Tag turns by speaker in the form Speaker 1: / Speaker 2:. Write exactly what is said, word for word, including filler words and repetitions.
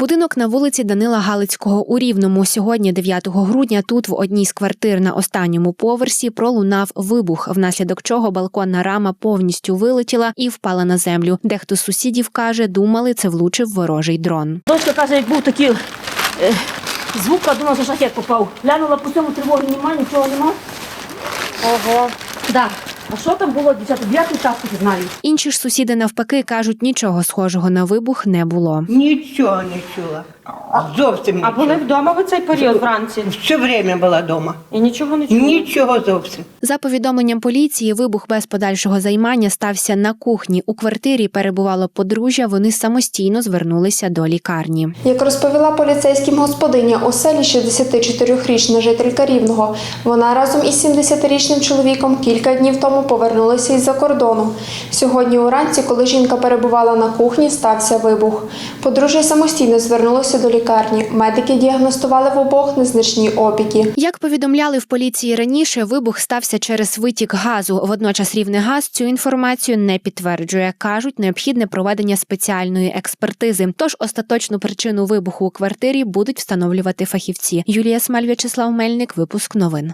Speaker 1: Будинок на вулиці Данила Галицького у Рівному. Сьогодні, дев'ятого грудня, тут в одній з квартир на останньому поверсі пролунав вибух, внаслідок чого балконна рама повністю вилетіла і впала на землю. Дехто з сусідів каже, думали, це влучив ворожий дрон.
Speaker 2: Дочка каже, як був такий е, звук, а думала, що шахет попав. Глянула по цьому, тривоги немає, нічого нема. Ого. Да. А що там було, дівчата? Дев'ятий час не знаю.
Speaker 1: Інші ж сусіди навпаки кажуть, нічого схожого на вибух не було.
Speaker 3: Нічого не чула. Зовсім нічого.
Speaker 4: А були вдома в цей період вранці?
Speaker 3: Все время була вдома.
Speaker 4: І нічого не чули?
Speaker 3: Нічого зовсім.
Speaker 1: За повідомленням поліції, вибух без подальшого займання стався на кухні. У квартирі перебувало подружжя, вони самостійно звернулися до лікарні.
Speaker 5: Як розповіла поліцейським господиня оселі, шістдесятичотирирічна жителька Рівного, вона разом із сімдесятирічним чоловіком кілька днів тому повернулися із-за кордону. Сьогодні уранці, коли жінка перебувала на кухні, стався вибух. Подружжя самостійно звернулося до лікарні. Медики діагностували в обох незначні опіки.
Speaker 1: Як повідомляли в поліції раніше, вибух стався через витік газу. Водночас Рівнегаз цю інформацію не підтверджує. Кажуть, необхідне проведення спеціальної експертизи. Тож остаточну причину вибуху у квартирі будуть встановлювати фахівці. Юлія Смаль, В'ячеслав Мельник, випуск новин.